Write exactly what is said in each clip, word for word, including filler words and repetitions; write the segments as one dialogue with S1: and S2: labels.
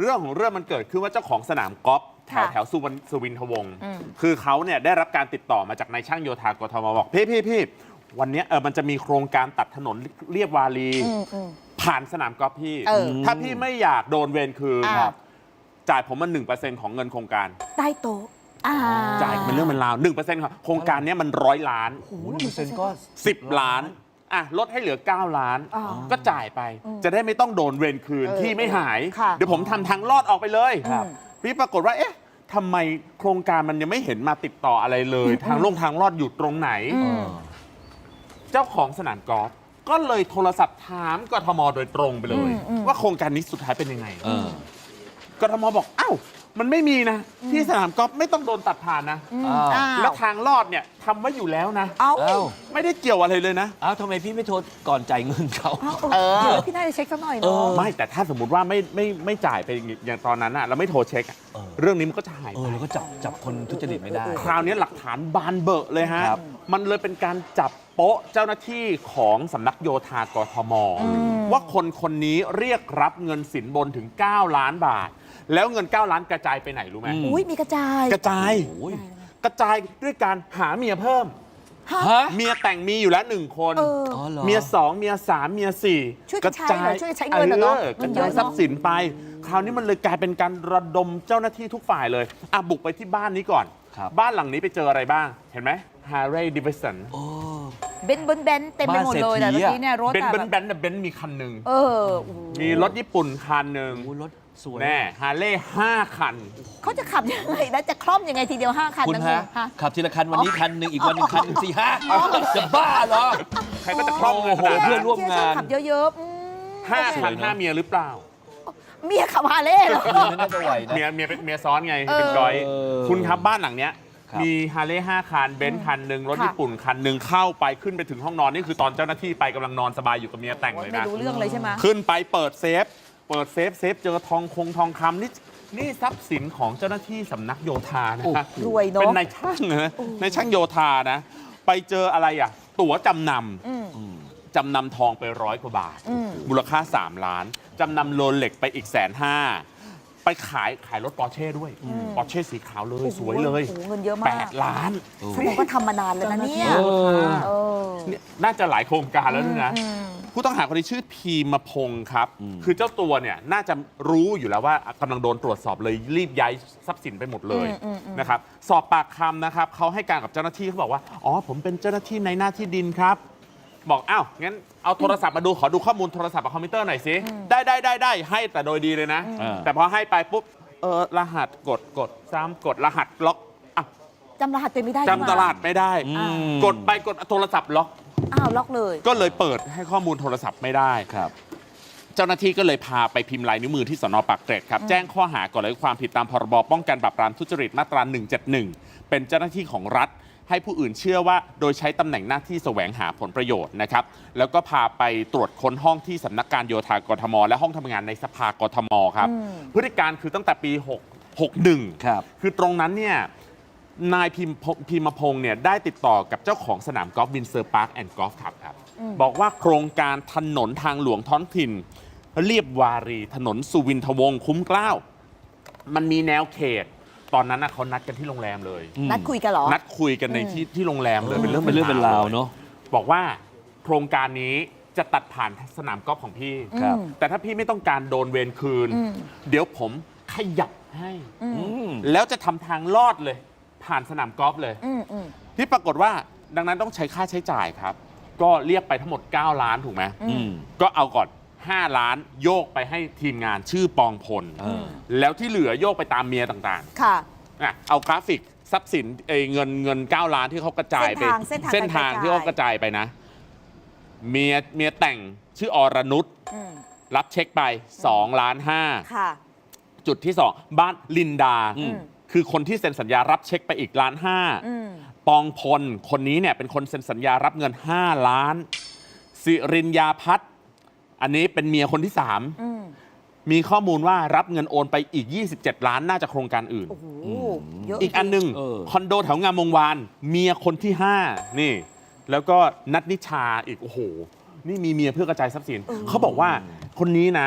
S1: เรื่องของเรื่องมันเกิดขึ้นว่าเจ้าของสนามกอล์ฟแถวแถวสุวรรณสุวินทวงศ์คือเขาเนี่ยได้รับการติดต่อมาจากนายช่างโยธากทมบอกพี่พี่พี่วันนี้เออมันจะมีโครงการตัดถนนเรียบวารีผ่านสนามกอล์ฟพี่ถ้าพี่ไม่อยากโดนเวรคืนจ่ายผมมาหนึ่งเปอร์เซ็นต์ของเงินโครงการ
S2: ใต้โต๊ะ
S1: จ่ายเป็นเรื่องเป็นราวหนึ่งเปอร์เซ็นต์ครับโครงการนี้มันร้อยล้าน
S3: โอ้โหหนึ่งเปอร์เซ็นต์ก็
S1: สิบล้านอ่ะลดให้เหลือเก้าล้านก็จ่ายไปจะได้ไม่ต้องโดนเวรคืนที่ไม่หายเดี๋ยวผมทำทางลอดออกไปเลยพี่ปรากฏว่าเอ๊ะทำไมโครงการมันยังไม่เห็นมาติดต่ออะไรเลยทางลงทางลอดอยู่ตรงไหนเจ้าของสนามกอล์ฟก็เลยโทรศัพท์ถามกทมโดยตรงไปเลยว่าโครงการนี้สุดท้ายเป็นยังไงกทมบอกอ้าวมันไม่มีนะที่สนามกอล์ฟไม่ต้องโดนตัดผ่านนะแล้วทางลอดเนี่ยทำไว้อยู่แล้วนะ
S2: เอ้า
S1: ไม่ได้เกี่ยวอะไรเลยนะ
S3: อ้าวทำไมพี่ไม่โทรก่อนจ่ายเงินเขา
S2: เออพี่น่าจะเช็คสักหน่อยเนาะ
S1: ไม่แต่ถ้าสมมติว่าไม่ไม่ไม่จ่ายไปอย่างตอนนั้นอะเราไม่โทรเช็คเรื่องนี้มันก็จะหายไป
S3: แล้วก็จับจับคนทุจริตไม่ได้
S1: คราวนี้หลักฐานบานเบอะเลยฮะมันเลยเป็นการจับโป๊ะเจ้าหน้าที่ของสำนักโยธากทมว่าคนคนนี้เรียกรับเงินสินบนถึงเก้าล้านบาทแล้วเงินเก้าล้านกระจายไปไหนรู้ไหม
S2: อุ้ยมีกระจาย
S1: กระจายกระจายด้วยการหาเมียเพิ่มเมียแต่งมีอยู่แล้วหนึ่งคนเมียสองเมียสามเมียสี่
S2: กระจายช่วยใช้เงินเนาะ
S1: กระจายทรัพย์สินไปคราวนี้มันเลยกลายเป็นการระดมเจ้าหน้าที่ทุกฝ่ายเลยอ่ะบุกไปที่บ้านนี้ก่อนบ้านหลังนี้ไปเจออะไรบ้างเห็นไหม Harley Davidson
S2: เบนซ์เบนซ์เบนซ์เต็มไปหมดเลยแต่เมื่อกี้เนี่ยรถ
S1: เบนซ์เบนซ์เบนซ์เบนซ์มีคันหนึ่งมีรถญี่ปุ่นคันหนึ่ง
S3: รถสวย
S1: แน่ฮาร์เลย์ห้าคัน
S2: เขาจะขับยังไงนะจะคล่อมยังไงทีเดียวห้าคัน
S3: คุณฮะขับทีละคันวันนี้คันหนึ่งอีกวันหนึ่งคันหนึ่งสี่ห้าจะบ้าเหรอ
S1: ใครก็จะคล่อมเลย
S3: เพื่อนร่วมงาน
S2: ขับเยอะ
S1: ๆห้าคันห้าเมียหรือเปล่า
S2: เมียขับฮาร์เลย์เหรอ
S3: ไม่น่าจะไหวนะ
S1: เมียเมียเมียซ้อนไงเป็นก้อยคุณครับบ้านหลังเนี้ยมีฮาร์เลย์ห้าคันเบนซ์คันหนึ่งรถญี่ปุ่นคันหนึ่งเข้าไปขึ้นไปถึงห้องนอนนี่คือตอนเจ้าหน้าที่ไปกำลังนอนสบายอยู่กับเมียแต่งเลยนะ
S2: ไม่รู้เรื่องเลยใช่ไหม
S1: ขึ้นไปเปิดเซฟเปิดเซฟเซฟเจอทองคงทองคำนี่นี่ทรัพย์สินของเจ้าหน้าที่สำนักโยธานะ
S2: รวยเนาะ
S1: เป็นนายช่างนะนายช่างโยธานะไปเจออะไรอ่ะตั๋วจำนำจำนำทองไปร้อยกว่าบาทมูลค่าสามล้านจำนำโรเล็กไปอีกแสนห้าไปขายขายรถปอร์เช่ด้วยปอร์เช่สีขาวเลยสวยเลย
S2: เงินเยอะมาก
S1: แปดล้าน
S2: แสดงว่าทำมานานแล้วนะเนี่ย
S1: น่าจะหลายโครงการแล้วนะผู้ต้องหาคนนี้ชื่อพีมพงศ์ครับคือเจ้าตัวเนี่ยน่าจะรู้อยู่แล้วว่ากำลังโดนตรวจสอบเลยรีบย้ายทรัพย์สินไปหมดเลยนะครับสอบปากคำนะครับเขาให้การกับเจ้าหน้าที่เขาบอกว่าอ๋อผมเป็นเจ้าหน้าที่ในหน้าที่ดินครับบอกอ้าวงั้นเอาโทรศัพท์มาดูขอดูข้อมูลโทรศัพท์กับคอมพิวเตอร์หน่อยสิได้ได้ได้ได้ให้แต่โดยดีเลยนะแต่พอให้ไปปุ๊บเออรหัสกดกดซ้ำกดรหัสล็อก
S2: จำรหัสตัวไม่ได้
S1: จำตลาดไม่ได้กดไปกดโทรศัพท์ล็อก
S2: อ้าวล็อกเลย
S1: ก็เลยเปิดให้ข้อมูลโทรศัพท์ไม่ได้ครับเจ้าหน้าที่ก็เลยพาไปพิมพ์ลายนิ้วมือที่สน.ปากเกร็ดครับแจ้งข้อหาก่อเหตุความผิดตามพรบป้องกันปราบปรามทุจริตมาตราหนึ่งเจ็ดหนึ่งเป็นเจ้าหน้าที่ของรัฐให้ผู้อื่นเชื่อว่าโดยใช้ตำแหน่งหน้าที่แสวงหาผลประโยชน์นะครับแล้วก็พาไปตรวจค้นห้องที่สำนักการโยธากทมและห้องทำงานในสภากทมครับพฤติการคือตั้งแต่ปีหกสิบเอ็ดครับคือตรงนั้นเนี่ยนายพิมพิมพงศ์เนี่ยได้ติดต่อกับเจ้าของสนามกอล์ฟวินเซอร์พาร์คแอนด์กอล์ฟคลับครับบอกว่าโครงการถนนทางหลวงท้องถิ่นเรียบวารีถนนสุวินทวงศ์คุ้มเกล้ามันมีแนวเขตตอนนั้นนะเขานัดกันที่โรงแรมเลย
S2: นัดคุยกันเหรอ
S1: นัดคุยกันในที่ที่โรงแรมเลยเป็นเรื่อง
S3: เป็นเรื่องเป็นราวเนาะ
S1: บอกว่าโครงการนี้จะตัดผ่านสนามกอล์ฟของพี่แต่ถ้าพี่ไม่ต้องการโดนเวรคืนเดี๋ยวผมขยับให้แล้วจะทำทางลอดเลยผ่านสนามกอล์ฟเลยที่ปรากฏว่าดังนั้นต้องใช้ค่าใช้จ่ายครับก็เรียกไปทั้งหมดเก้าล้านถูกไหมก็เอาก่อนห้าล้านโยกไปให้ทีมงานชื่อปองพลแล้วที่เหลือโยกไปตามเมียต่างๆค่ะเอากราฟิกทรัพย์สินเงินเงินเก้าล้านที่เขากระจายไปเส้นทางที่เขากระจายไปนะเมียเมียแต่งชื่ออรนุชรับเช็คไปสองล้านห้าจุดที่สองบ้านลินดาคือคนที่เซ็นสัญญารับเช็คไปอีกล้านห้าปองพลคนนี้เนี่ยเป็นคนเซ็นสัญญารับเงินห้าล้านสิรินยาพัฒน์อันนี้เป็นเมียคนที่สามมีข้อมูลว่ารับเงินโอนไปอีกยี่สิบเจ็ดล้านน่าจะโครงการอื่นอีกอันหนึ่งคอนโดแถวงามวงวานเมียคนที่ห้านี่แล้วก็นัทนิชาอีกโอ้โหนี่มีเมียเพื่อกระจายทรัพย์สินเขาบอกว่าคนนี้นะ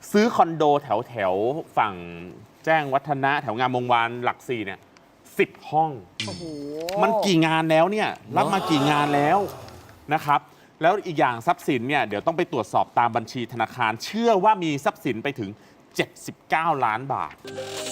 S1: ซื้อคอนโดแถวแถวฝั่งแจ้งวัฒนะแถวงามวงวานหลักสี่เนี่ยสิบห้อง
S2: โอ้โห
S1: มันกี่งานแล้วเนี่ยรับมากี่งานแล้วนะครับ แล้วอีกอย่างทรัพย์สินเนี่ยเดี๋ยวต้องไปตรวจสอบตามบัญชีธนาคาร เชื่อว่ามีทรัพย์สินไปถึง เจ็ดสิบเก้า ล้านบาท